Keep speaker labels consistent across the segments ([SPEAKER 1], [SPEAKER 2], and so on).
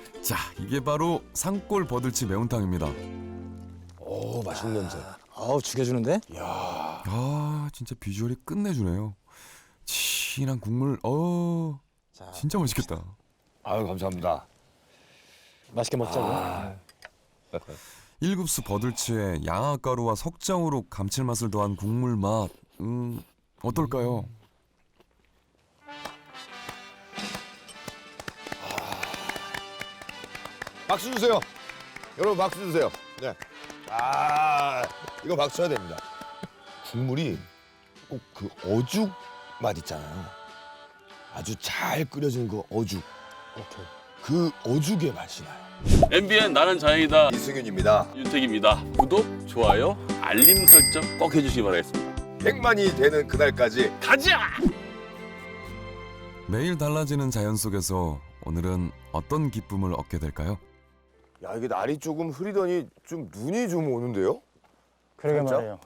[SPEAKER 1] 자, 이게 바로 산골 버들치 매운탕입니다.
[SPEAKER 2] 오, 맛있는 냄새.
[SPEAKER 3] 아우 죽여주는데?
[SPEAKER 1] 아, 진짜 비주얼이 끝내주네요. 진한 국물,
[SPEAKER 3] 자,
[SPEAKER 1] 진짜 맛있겠다.
[SPEAKER 2] 아유, 감사합니다.
[SPEAKER 3] 맛있게 먹자고.
[SPEAKER 1] 1급수 버들치에 양아가루와 석장으로 감칠맛을 더한 국물 맛. 어떨까요?
[SPEAKER 2] 박수 주세요. 여러분 박수 주세요. 네. 이거 박수 쳐야 됩니다. 국물이 꼭 그 어죽 맛 있잖아요. 아주 잘 끓여진 그 어죽.
[SPEAKER 3] 오케이.
[SPEAKER 2] 그 어죽의 맛이 나요.
[SPEAKER 4] MBN 나는 자연이다.
[SPEAKER 2] 이승윤입니다.
[SPEAKER 4] 윤택입니다. 구독, 좋아요, 알림 설정 꼭 해주시기 바라겠습니다.
[SPEAKER 2] 100만이 되는 그날까지
[SPEAKER 4] 가자!
[SPEAKER 1] 매일 달라지는 자연 속에서 오늘은 어떤 기쁨을 얻게 될까요?
[SPEAKER 2] 야, 이게 날이 조금 흐리더니 좀 눈이 좀 오는데요?
[SPEAKER 3] 그러게
[SPEAKER 2] 진짜?
[SPEAKER 3] 말이에요.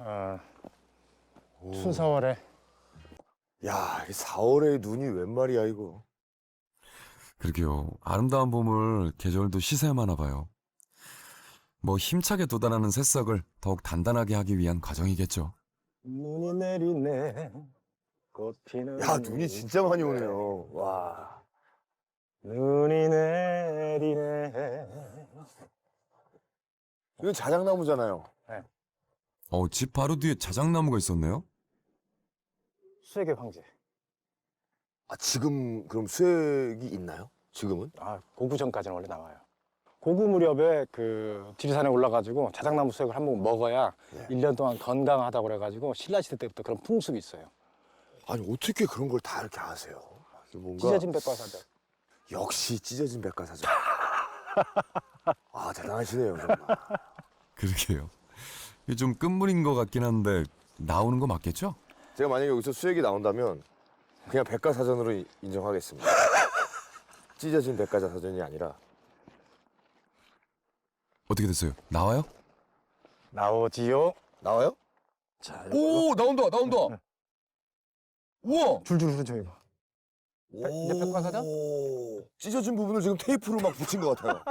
[SPEAKER 3] 순사월에
[SPEAKER 2] 야, 이 4월에 눈이 웬 말이야 이거.
[SPEAKER 1] 그러게요. 아름다운 봄을 계절도 시샘하나 봐요. 뭐 힘차게 돋아나는 새싹을 더욱 단단하게 하기 위한 과정이겠죠.
[SPEAKER 3] 눈이 내리네. 꽃 피는.
[SPEAKER 2] 야, 눈이 진짜 많이 오네요. 와.
[SPEAKER 3] 눈이 내리네.
[SPEAKER 2] 이건 자작나무잖아요.
[SPEAKER 1] 집 바로 뒤에 자작나무가 있었네요.
[SPEAKER 3] 수액의 황제.
[SPEAKER 2] 아, 지금 그럼 수액이 있나요? 지금은?
[SPEAKER 3] 고구 전까지는 원래 나와요. 고구 무렵에 그 지리산에 올라가지고 자작나무 수액을 한 번 먹어야
[SPEAKER 2] 네.
[SPEAKER 3] 1년 동안 건강하다고 그래가지고 신라시대 때부터 그런 풍습이 있어요.
[SPEAKER 2] 아니, 어떻게 그런 걸 다 이렇게 아세요? 뭔가
[SPEAKER 3] 찢어진 백과사전.
[SPEAKER 2] 역시 찢어진 백과사전. 아, 대단하시네요, 정말.
[SPEAKER 1] 그러게요. 이게 좀 끝물인 것 같긴 한데 나오는 거 맞겠죠?
[SPEAKER 2] 제가 만약에 여기서 수액이 나온다면 그냥 백과사전으로 인정하겠습니다. 찢어진 백과사전이 아니라.
[SPEAKER 1] 어떻게 됐어요? 나와요?
[SPEAKER 3] 나오지요.
[SPEAKER 2] 나와요?
[SPEAKER 3] 자,
[SPEAKER 2] 오, 나온다, 나온다. 우와.
[SPEAKER 3] 줄줄 흐르죠 이거. 이제 백과사전?
[SPEAKER 2] 찢어진 부분을 지금 테이프로 막 붙인 것 같아요.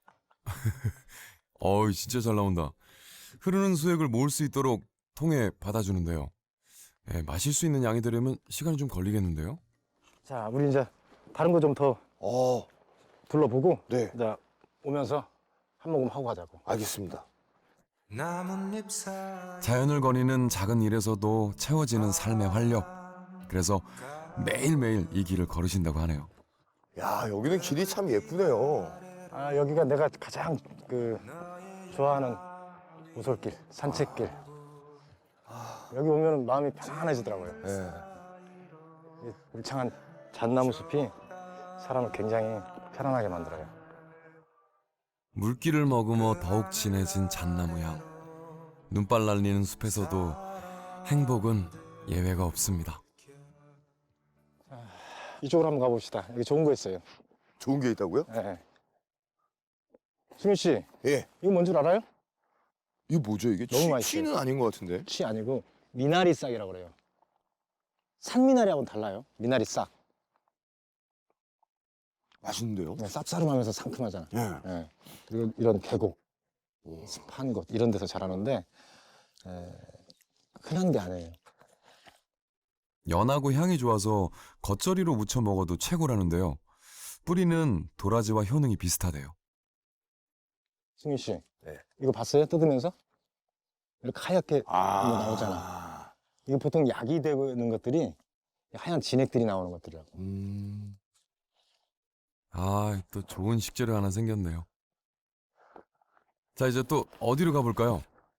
[SPEAKER 1] 진짜 잘 나온다. 흐르는 수액을 모을 수 있도록 통에 받아주는데요. 마실 수 있는 양이 되려면 시간이 좀 걸리겠는데요?
[SPEAKER 3] 자, 우리 이제 다른 거 좀 더
[SPEAKER 2] 어,
[SPEAKER 3] 둘러보고
[SPEAKER 2] 네,
[SPEAKER 3] 이제 오면서 한 모금 하고 가자고.
[SPEAKER 2] 알겠습니다.
[SPEAKER 1] 자연을 거니는 작은 일에서도 채워지는 삶의 활력. 그래서 매일매일 이 길을 걸으신다고 하네요.
[SPEAKER 2] 야, 여기는 길이 참 예쁘네요.
[SPEAKER 3] 여기가 내가 가장 좋아하는 오솔길, 산책길. 여기 오면 마음이 편안해지더라고요.
[SPEAKER 2] 네.
[SPEAKER 3] 이 울창한 잣나무 숲이 사람을 굉장히 편안하게 만들어요.
[SPEAKER 1] 물기를 머금어 더욱 진해진 잣나무 향. 눈발 날리는 숲에서도 행복은 예외가 없습니다.
[SPEAKER 3] 이쪽으로 한번 가봅시다. 여기 좋은 거 있어요.
[SPEAKER 2] 좋은 게 있다고요?
[SPEAKER 3] 네. 승윤 씨,
[SPEAKER 2] 예.
[SPEAKER 3] 이거 뭔 줄 알아요?
[SPEAKER 2] 이게 뭐죠, 이게?
[SPEAKER 3] 너무 맛있어요.
[SPEAKER 2] 취는 아닌 것 같은데.
[SPEAKER 3] 치 아니고 미나리 싹이라고 그래요. 산미나리하고는 달라요. 미나리 싹.
[SPEAKER 2] 맛있는데요?
[SPEAKER 3] 네, 쌉싸름하면서 상큼하잖아.
[SPEAKER 2] 예.
[SPEAKER 3] 네. 그리고 이런 계곡, 습한 곳 이런 데서 자라는데 흔한 게 아니에요.
[SPEAKER 1] 연하고 향이 좋아서 겉절이로 무쳐 먹어도 최고라는데요. 뿌리는 도라지와 효능이 비슷하대요.
[SPEAKER 3] 승윤 씨,
[SPEAKER 2] 네.
[SPEAKER 3] 이거 봤어요? 뜯으면서? 이렇게 하얗게 나오잖아. 이거 보통 약이 되는 것들이 하얀 진액들이 나오는 것들이라고.
[SPEAKER 1] 또 좋은 식재료 하나 생겼네요. 자, 이제 또 어디로 가볼까요?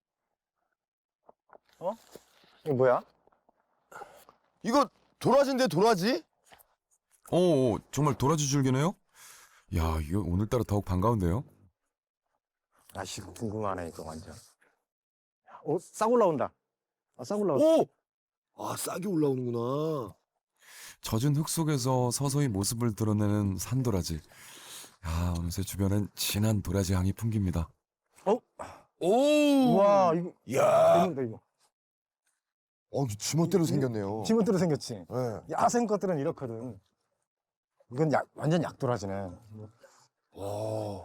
[SPEAKER 3] 이거 뭐야?
[SPEAKER 2] 이거 도라지인데, 도라지?
[SPEAKER 1] 정말 도라지 줄기네요? 야, 이거 오늘따라 더욱 반가운데요?
[SPEAKER 3] 씨, 궁금하네 이거 완전. 싹 올라온다. 싹 올라온다.
[SPEAKER 2] 오! 아, 싹이 올라오는구나.
[SPEAKER 1] 젖은 흙 속에서 서서히 모습을 드러내는 산도라지. 어느새 주변엔 진한 도라지 향이 풍깁니다.
[SPEAKER 2] 오!
[SPEAKER 3] 와, 이거
[SPEAKER 2] 이야.
[SPEAKER 3] 재밌다 이거.
[SPEAKER 2] 지멋대로 생겼네요.
[SPEAKER 3] 지문대로 생겼지.
[SPEAKER 2] 네.
[SPEAKER 3] 야생 것들은 이렇거든. 이건 완전 약도라지네.
[SPEAKER 2] 와.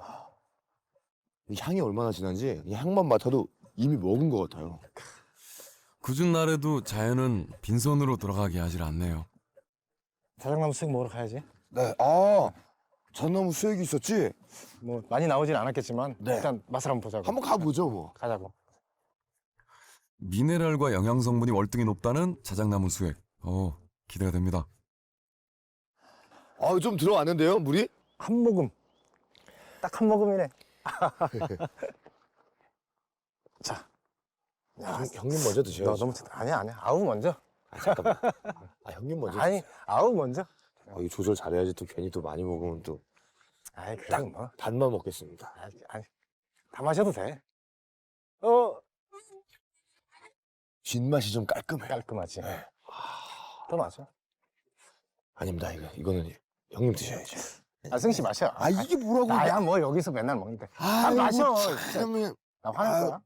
[SPEAKER 2] 이 향이 얼마나 진한지 이 향만 맡아도 이미 먹은 것 같아요.
[SPEAKER 1] 굳은 날에도 자연은 빈손으로 돌아가게 하질 않네요.
[SPEAKER 3] 자작나무 수육 먹으러 가야지.
[SPEAKER 2] 네, 전나무 수액이 있었지?
[SPEAKER 3] 뭐 많이 나오진 않았겠지만
[SPEAKER 2] 네.
[SPEAKER 3] 일단 맛을 한번 보자고.
[SPEAKER 2] 한번 가보죠 뭐.
[SPEAKER 3] 가자고.
[SPEAKER 1] 미네랄과 영양 성분이 월등히 높다는 자작나무 수액. 기대가 됩니다.
[SPEAKER 2] 좀 들어왔는데요, 물이?
[SPEAKER 3] 한 모금. 딱 한 모금이네. 자. 야,
[SPEAKER 2] 형님 먼저
[SPEAKER 3] 너
[SPEAKER 2] 드셔야죠.
[SPEAKER 3] 너무 아니야. 아우 먼저.
[SPEAKER 2] 잠깐만. 형님 먼저.
[SPEAKER 3] 아니, 아우 먼저.
[SPEAKER 2] 이거 조절 잘해야지 또 괜히 또 많이 먹으면 또
[SPEAKER 3] 아이, 그냥 뭐.
[SPEAKER 2] 반만 먹겠습니다.
[SPEAKER 3] 아니, 다 마셔도 돼.
[SPEAKER 2] 뒷맛이 좀 깔끔해.
[SPEAKER 3] 깔끔하지.
[SPEAKER 2] 네.
[SPEAKER 3] 더 마셔.
[SPEAKER 2] 아닙니다, 이거는 형님 드셔야죠.
[SPEAKER 3] 승씨 마셔.
[SPEAKER 2] 이게 뭐라고?
[SPEAKER 3] 나야 뭐 여기서 맨날 먹는데. 마셔.
[SPEAKER 2] 형님.
[SPEAKER 3] 나 화낼 거야.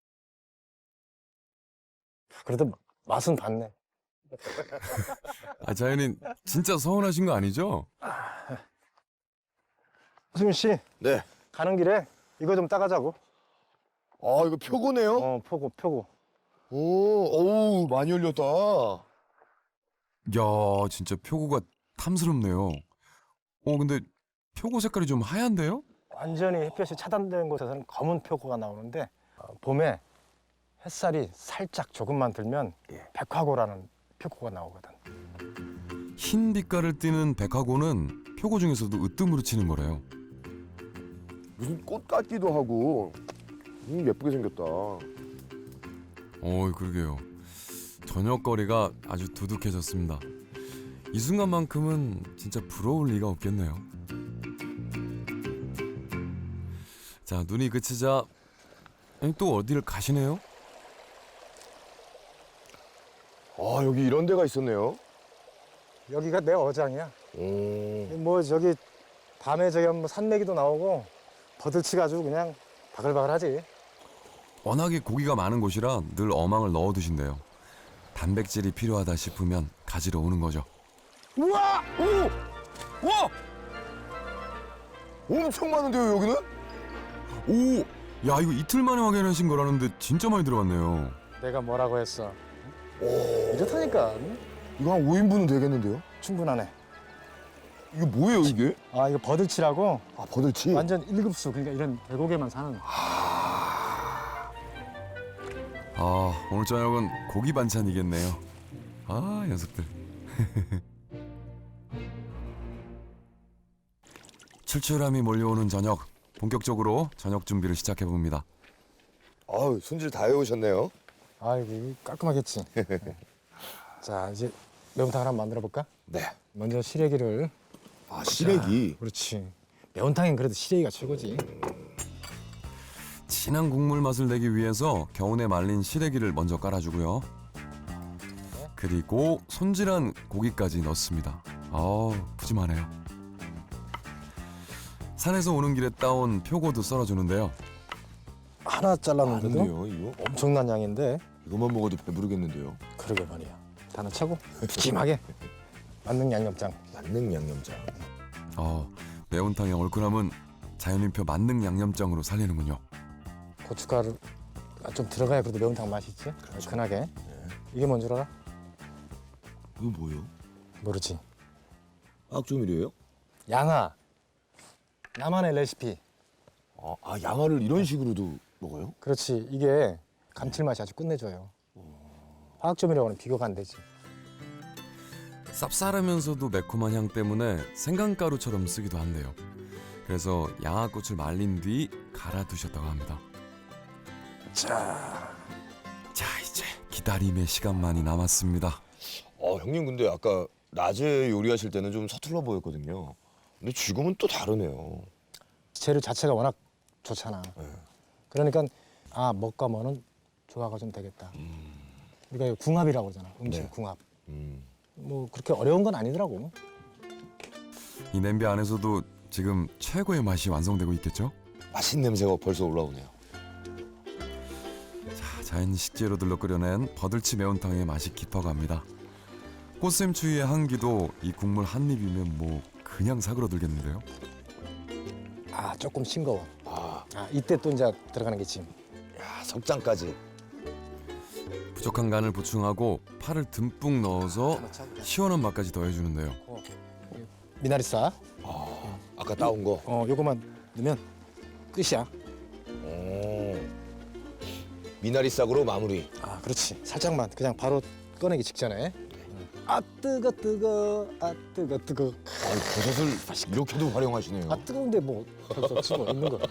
[SPEAKER 3] 그래도 맛은 봤네.
[SPEAKER 1] 자연인 진짜 서운하신 거 아니죠?
[SPEAKER 3] 승민 씨,
[SPEAKER 2] 네.
[SPEAKER 3] 가는 길에 이거 좀 따가자고.
[SPEAKER 2] 이거 표고네요?
[SPEAKER 3] 표고.
[SPEAKER 2] 어우, 많이 열렸다.
[SPEAKER 1] 야, 진짜 표고가 탐스럽네요. 근데 표고 색깔이 좀 하얀데요?
[SPEAKER 3] 완전히 햇볕이 차단된 곳에서는 검은 표고가 나오는데 봄에 햇살이 살짝 조금만 들면 백화고라는 표고가 나오거든.
[SPEAKER 1] 흰 빛깔을 띠는 백화고는 표고 중에서도 으뜸으로 치는 거래요.
[SPEAKER 2] 무슨 꽃 같기도 하고. 예쁘게 생겼다.
[SPEAKER 1] 그러게요. 저녁거리가 아주 두둑해졌습니다. 이 순간만큼은 진짜 부러울 리가 없겠네요. 자, 눈이 그치자 또 어디를 가시네요?
[SPEAKER 2] 여기 이런 데가 있었네요.
[SPEAKER 3] 여기가 내 어장이야. 뭐 저기 밤에 저기 뭐 산메기도 나오고 버들치가 아주 그냥 바글바글하지.
[SPEAKER 1] 워낙에 고기가 많은 곳이라 늘 어망을 넣어두신대요. 단백질이 필요하다 싶으면 가지러 오는 거죠.
[SPEAKER 2] 우와! 와! 엄청 많은데요, 여기는?
[SPEAKER 1] 야, 이거 이틀 만에 확인하신 거라는데 진짜 많이 들어갔네요.
[SPEAKER 3] 내가 뭐라고 했어. 이렇다니까.
[SPEAKER 2] 이거 한 5인분은 되겠는데요?
[SPEAKER 3] 충분하네.
[SPEAKER 2] 이게 뭐예요, 이게?
[SPEAKER 3] 이거 버들치라고
[SPEAKER 2] 버들치?
[SPEAKER 3] 완전 1급수. 그러니까 이런 계곡에만 사는.
[SPEAKER 1] 오늘 저녁은 고기 반찬이겠네요. 녀석들. 출출함이 몰려오는 저녁. 본격적으로 저녁 준비를 시작해봅니다.
[SPEAKER 2] 손질 다 해오셨네요.
[SPEAKER 3] 이거 깔끔하겠지. 자, 이제 매운탕을 한번 만들어 볼까?
[SPEAKER 2] 네.
[SPEAKER 3] 먼저 시래기를.
[SPEAKER 2] 시래기.
[SPEAKER 3] 그렇지. 매운탕엔 그래도 시래기가 최고지.
[SPEAKER 1] 진한 국물 맛을 내기 위해서 겨운에 말린 시래기를 먼저 깔아주고요. 그리고 손질한 고기까지 넣습니다. 푸짐하네요. 산에서 오는 길에 따온 표고도 썰어주는데요.
[SPEAKER 3] 하나 잘랐는데도
[SPEAKER 2] 많은데요, 이거?
[SPEAKER 3] 엄청난 양인데.
[SPEAKER 2] 이것만 먹어도 배부르겠는데요.
[SPEAKER 3] 그러게 말이야. 다 넣자고 푸짐하게. 만능 양념장.
[SPEAKER 2] 만능 양념장.
[SPEAKER 1] 매운탕의 얼큰함은 자연인표 만능 양념장으로 살리는군요.
[SPEAKER 3] 고춧가루가 좀 들어가야 그래도 매운탕 맛있지? 얼큰하게. 이게 뭔 줄 알아?
[SPEAKER 2] 이거 뭐예요?
[SPEAKER 3] 모르지.
[SPEAKER 2] 악조밀이에요?
[SPEAKER 3] 양화. 나만의 레시피.
[SPEAKER 2] 양화를 이런 식으로도 먹어요?
[SPEAKER 3] 그렇지. 이게 감칠맛이 아주 끝내줘요. 화학조밀하고는 비교가 안 되지.
[SPEAKER 1] 쌉쌀하면서도 매콤한 향 때문에 생강가루처럼 쓰기도 한대요. 그래서 양화꽃을 말린 뒤 갈아두셨다고 합니다.
[SPEAKER 3] 자,
[SPEAKER 1] 이제 기다림의 시간만이 남았습니다.
[SPEAKER 2] 형님 근데 아까 낮에 요리하실 때는 좀 서툴러 보였거든요. 근데 지금은 또 다르네요.
[SPEAKER 3] 재료 자체가 워낙 좋잖아.
[SPEAKER 2] 네.
[SPEAKER 3] 그러니까 먹과 뭐는 조화가 좀 되겠다. 우리가 이거 궁합이라고 그러잖아. 음식
[SPEAKER 2] 네.
[SPEAKER 3] 궁합.
[SPEAKER 2] 음.
[SPEAKER 3] 뭐 그렇게 어려운 건 아니더라고.
[SPEAKER 1] 이 냄비 안에서도 지금 최고의 맛이 완성되고 있겠죠?
[SPEAKER 2] 맛있는 냄새가 벌써 올라오네요.
[SPEAKER 1] 자연 식재료들로 끓여낸 버들치 매운탕의 맛이 깊어갑니다. 꽃샘추위의 향기도 이 국물 한 입이면 뭐 그냥 사그러들겠는데요.
[SPEAKER 3] 조금 싱거워. 아, 이때 또 이제 들어가는 게 짐.
[SPEAKER 2] 야, 석장까지.
[SPEAKER 1] 부족한 간을 보충하고 파를 듬뿍 넣어서 시원한 맛까지 더해주는데요.
[SPEAKER 3] 미나리싸.
[SPEAKER 2] 아까 따온 거.
[SPEAKER 3] 요거만 넣으면 끝이야.
[SPEAKER 2] 미나리 싹으로 마무리.
[SPEAKER 3] 아, 그렇지. 살짝만 그냥 바로 꺼내기 직전에. 아, 뜨거. 아, 뜨거.
[SPEAKER 2] 버섯을 이렇게도 활용하시네요.
[SPEAKER 3] 아, 뜨거운데 뭐 어쩔 수 없지 뭐 있는 거.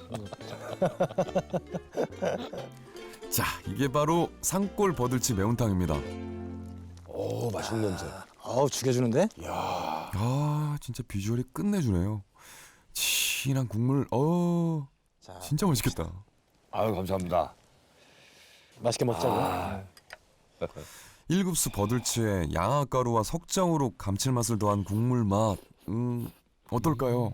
[SPEAKER 1] 자, 이게 바로 산골 버들치 매운탕입니다.
[SPEAKER 2] 오, 맛있는 냄새.
[SPEAKER 3] 아우, 죽여주는데?
[SPEAKER 1] 아, 진짜 비주얼이 끝내주네요. 진한 국물,
[SPEAKER 3] 자,
[SPEAKER 1] 진짜 맛있겠다.
[SPEAKER 2] 아유, 감사합니다.
[SPEAKER 3] 맛있게 먹자고.
[SPEAKER 1] 1급수 버들치에 양아가루와 석장으로 감칠맛을 더한 국물 맛, 어떨까요?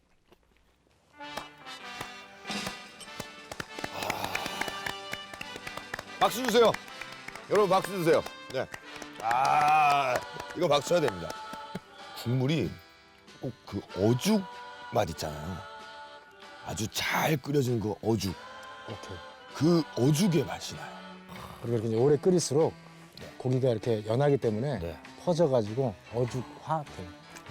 [SPEAKER 2] 박수 주세요. 여러분 박수 주세요. 네. 이거 박수 쳐야 됩니다. 국물이 꼭 그 어죽 맛 있잖아요. 아주 잘 끓여진 그 어죽.
[SPEAKER 3] 오케이.
[SPEAKER 2] 그 어죽의 맛이 나요.
[SPEAKER 3] 그리고 이렇게 이제 오래 끓일수록 고기가 이렇게 연하기 때문에
[SPEAKER 2] 네.
[SPEAKER 3] 퍼져가지고 어죽화 돼.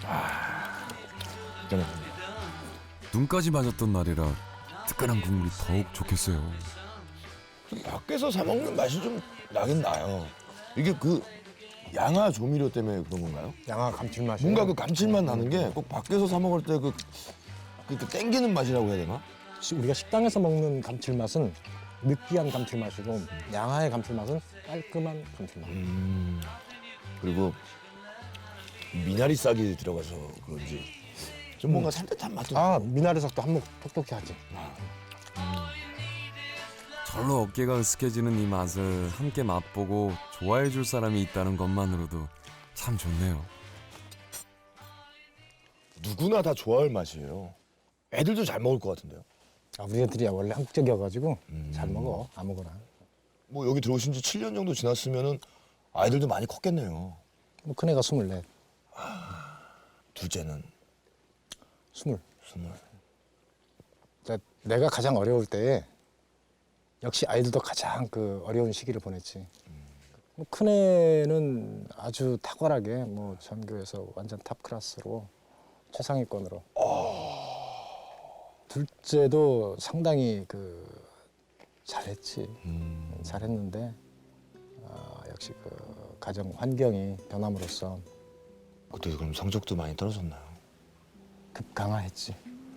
[SPEAKER 2] 저는
[SPEAKER 1] 눈까지 맞았던 날이라 뜨끈한 국물이 더욱 좋겠어요.
[SPEAKER 2] 밖에서 사 먹는 맛이 좀 나긴 나요. 이게 그 양화 조미료 때문에 그런 건가요?
[SPEAKER 3] 양화 감칠맛이.
[SPEAKER 2] 뭔가 그 감칠맛 나는 게 꼭 밖에서 사 먹을 때 그 땡기는 맛이라고 해야 되나?
[SPEAKER 3] 우리가 식당에서 먹는 감칠맛은 느끼한 감칠맛이고 양화의 감칠맛은 깔끔한 감칠맛.
[SPEAKER 2] 그리고 미나리 싹이 들어가서 그런지 좀 뭔가 산뜻한 맛도.
[SPEAKER 3] 아, 미나리석도 한몫 톡톡히 하지.
[SPEAKER 1] 절로 어깨가 으스해지는 이 맛을 함께 맛보고 좋아해 줄 사람이 있다는 것만으로도 참 좋네요.
[SPEAKER 2] 누구나 다 좋아할 맛이에요. 애들도 잘 먹을 것 같은데요.
[SPEAKER 3] 아, 우리 애들이 원래 한국적이어가지고 잘 먹어 아무거나.
[SPEAKER 2] 뭐 여기 들어오신 지 7년 정도 지났으면은 아이들도 많이 컸겠네요.
[SPEAKER 3] 뭐 큰애가 24,
[SPEAKER 2] 둘째는
[SPEAKER 3] 20.
[SPEAKER 2] 20.
[SPEAKER 3] 내가 가장 어려울 때에 역시 아이들도 가장 그 어려운 시기를 보냈지. 뭐 큰애는 아주 탁월하게 뭐 전교에서 완전 탑 클래스로 최상위권으로. 둘째도 상당히 그 잘했지. 잘했는데 역시 그 가정 환경이 변함으로써
[SPEAKER 2] 그때 그럼 성적도 많이 떨어졌나요?
[SPEAKER 3] 급강하했지.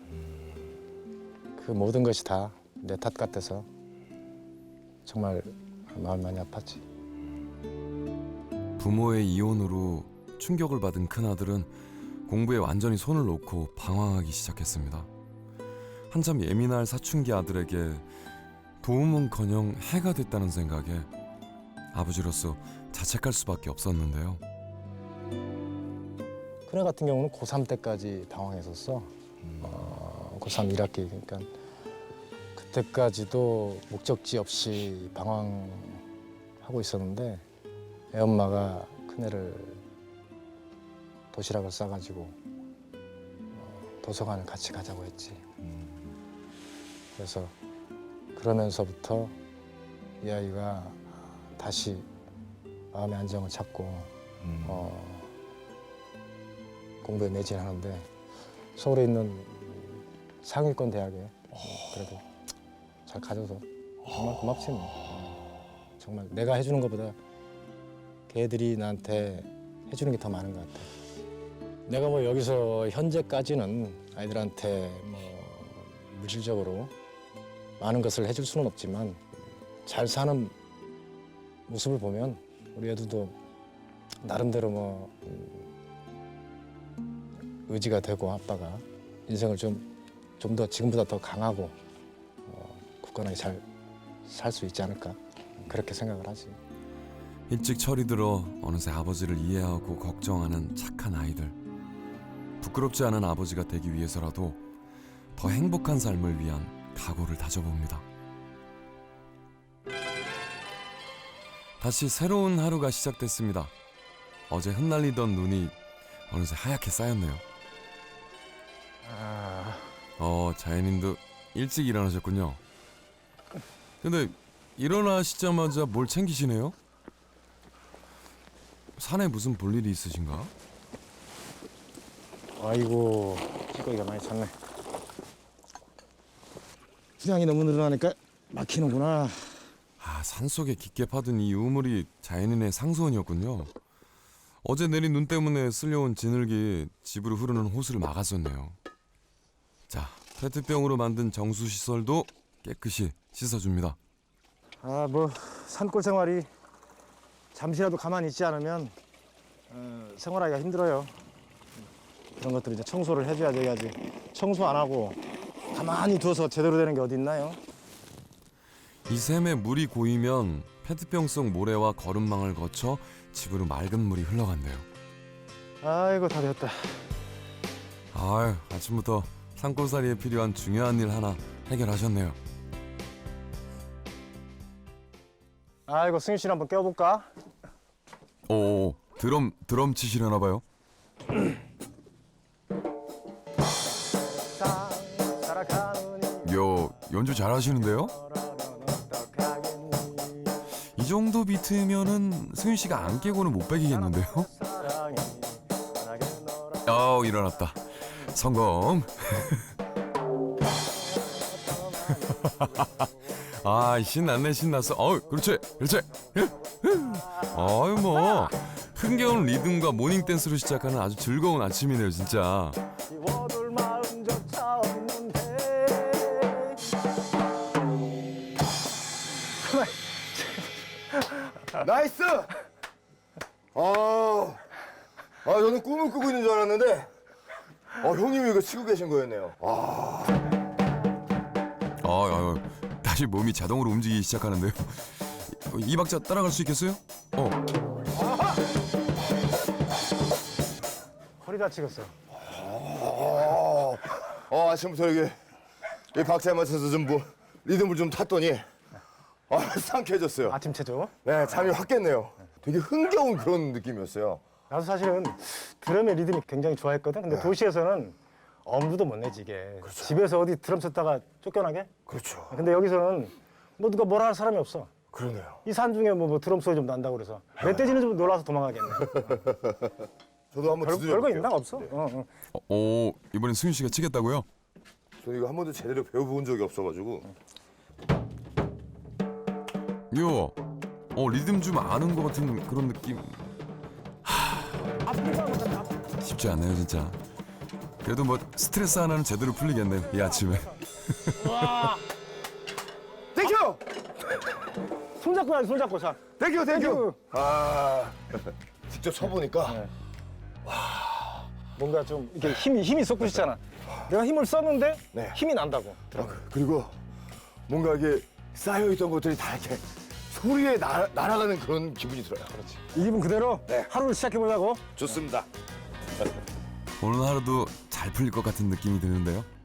[SPEAKER 3] 그 모든 것이 다 내 탓 같아서 정말 마음 많이 아팠지.
[SPEAKER 1] 부모의 이혼으로 충격을 받은 큰아들은 공부에 완전히 손을 놓고 방황하기 시작했습니다. 한참 예민할 사춘기 아들에게 도움은커녕 해가 됐다는 생각에 아버지로서 자책할 수밖에 없었는데요.
[SPEAKER 3] 큰애 같은 경우는 고3 때까지 방황했었어. 고3 1학기. 그러니까 그때까지도 목적지 없이 방황하고 있었는데 애엄마가 큰애를 도시락을 싸가지고 도서관을 같이 가자고 했지. 그래서 그러면서부터 이 아이가 다시 마음의 안정을 찾고 공부에 매진하는데 서울에 있는 상위권 대학에 그래도 잘 가져서 정말 고맙지 뭐. 정말 내가 해주는 것보다 걔들이 나한테 해주는 게 더 많은 것 같아. 내가 뭐 여기서 현재까지는 아이들한테 뭐 물질적으로 많은 것을 해줄 수는 없지만 잘 사는 모습을 보면 우리 애들도 나름대로 뭐 의지가 되고 아빠가 인생을 좀 더 지금보다 더 강하고 굳건하게 잘 살 수 있지 않을까 그렇게 생각을 하지.
[SPEAKER 1] 일찍 철이 들어 어느새 아버지를 이해하고 걱정하는 착한 아이들. 부끄럽지 않은 아버지가 되기 위해서라도 더 행복한 삶을 위한 각오를 다져봅니다. 다시 새로운 하루가 시작됐습니다. 어제 흩날리던 눈이 어느새 하얗게 쌓였네요. 자연인도 일찍 일어나셨군요. 근데 일어나시자마자 뭘 챙기시네요? 산에 무슨 볼일이 있으신가?
[SPEAKER 3] 아이고, 찌꺼기가 많이 찼네. 분양이 너무 늘어나니까 막히는구나.
[SPEAKER 1] 아, 산속에 깊게 파든 이 우물이 자연인의 상소원이었군요. 어제 내린 눈 때문에 쓸려온 진흙이 집으로 흐르는 호수를 막았었네요. 자, 페트병으로 만든 정수시설도 깨끗이 씻어줍니다.
[SPEAKER 3] 아, 뭐 산골 생활이 잠시라도 가만히 있지 않으면 생활하기가 힘들어요. 그런 것들 이제 청소를 해줘야 돼야지. 청소 안 하고 가만히 두어서 제대로 되는 게 어디 있나요?
[SPEAKER 1] 이 샘에 물이 고이면 페트병 속 모래와 거름망을 거쳐 집으로 맑은 물이 흘러간대요.
[SPEAKER 3] 아이고, 다 됐다.
[SPEAKER 1] 아유, 아침부터 산골살이에 필요한 중요한 일 하나 해결하셨네요.
[SPEAKER 3] 아이고, 승희 씨를 한번 깨워볼까?
[SPEAKER 1] 오, 드럼 치시려나 봐요. 요, 연주 잘하시는데요? 이 정도 비트면은 승윤 씨가 안 깨고는 못 배기겠는데요? 일어났다. 성공. 아, 신났네, 신났어. 그렇지. 아유, 뭐 흥겨운 리듬과 모닝 댄스로 시작하는 아주 즐거운 아침이네요, 진짜.
[SPEAKER 2] 나이스! 저는 꿈을 꾸고 있는 줄 알았는데, 형님이 이거 치고 계신 거였네요.
[SPEAKER 1] 다시 몸이 자동으로 움직이기 시작하는데요. 이 박자 따라갈 수 있겠어요?
[SPEAKER 3] 허리 다치겠어.
[SPEAKER 2] 아침부터 이 박자에 맞춰서 좀 리듬을 좀 탔더니, 상쾌해졌어요.
[SPEAKER 3] 아침 체조.
[SPEAKER 2] 네, 잠이 확 깼네요. 되게 흥겨운 그런 느낌이었어요.
[SPEAKER 3] 나도 사실은 드럼의 리듬이 굉장히 좋아했거든. 근데 도시에서는 엄두도 못 내지 이게. 집에서 어디 드럼 쳤다가 쫓겨나게?
[SPEAKER 2] 그렇죠.
[SPEAKER 3] 근데 여기서는 뭐 누가 뭐라 할 사람이 없어.
[SPEAKER 2] 그러네요.
[SPEAKER 3] 이 산 중에 뭐 드럼 소리 좀 난다고 그래서 멧돼지는 좀 놀라서 도망가겠네.
[SPEAKER 2] 저도 한번 두드려
[SPEAKER 3] 별거
[SPEAKER 2] 볼게요.
[SPEAKER 3] 있나? 없어?
[SPEAKER 1] 이번엔 승윤 씨가 치겠다고요?
[SPEAKER 2] 저는 이거 한 번도 제대로 배워본 적이 없어가지고.
[SPEAKER 1] 리듬 좀 아는 것 같은 그런 느낌. 쉽지 않네요, 진짜. 그래도 뭐 스트레스 하나는 제대로 풀리겠네요, 이 아침에.
[SPEAKER 2] 땡큐!
[SPEAKER 3] 손잡고 해야지, 손잡고 자.
[SPEAKER 2] 땡큐!
[SPEAKER 3] 땡큐.
[SPEAKER 2] 직접 쳐보니까
[SPEAKER 3] 네. 뭔가 좀 이렇게 힘이 솟고 싶잖아. 내가 힘을 썼는데
[SPEAKER 2] 네.
[SPEAKER 3] 힘이 난다고.
[SPEAKER 2] 그리고 뭔가 이게 쌓여있던 것들이 다 이렇게 소리에 날아가는 그런 기분이 들어요. 그렇지.
[SPEAKER 3] 이 기분 그대로 하루를 시작해보자고.
[SPEAKER 2] 좋습니다.
[SPEAKER 1] 오늘 하루도 잘 풀릴 것 같은 느낌이 드는데요.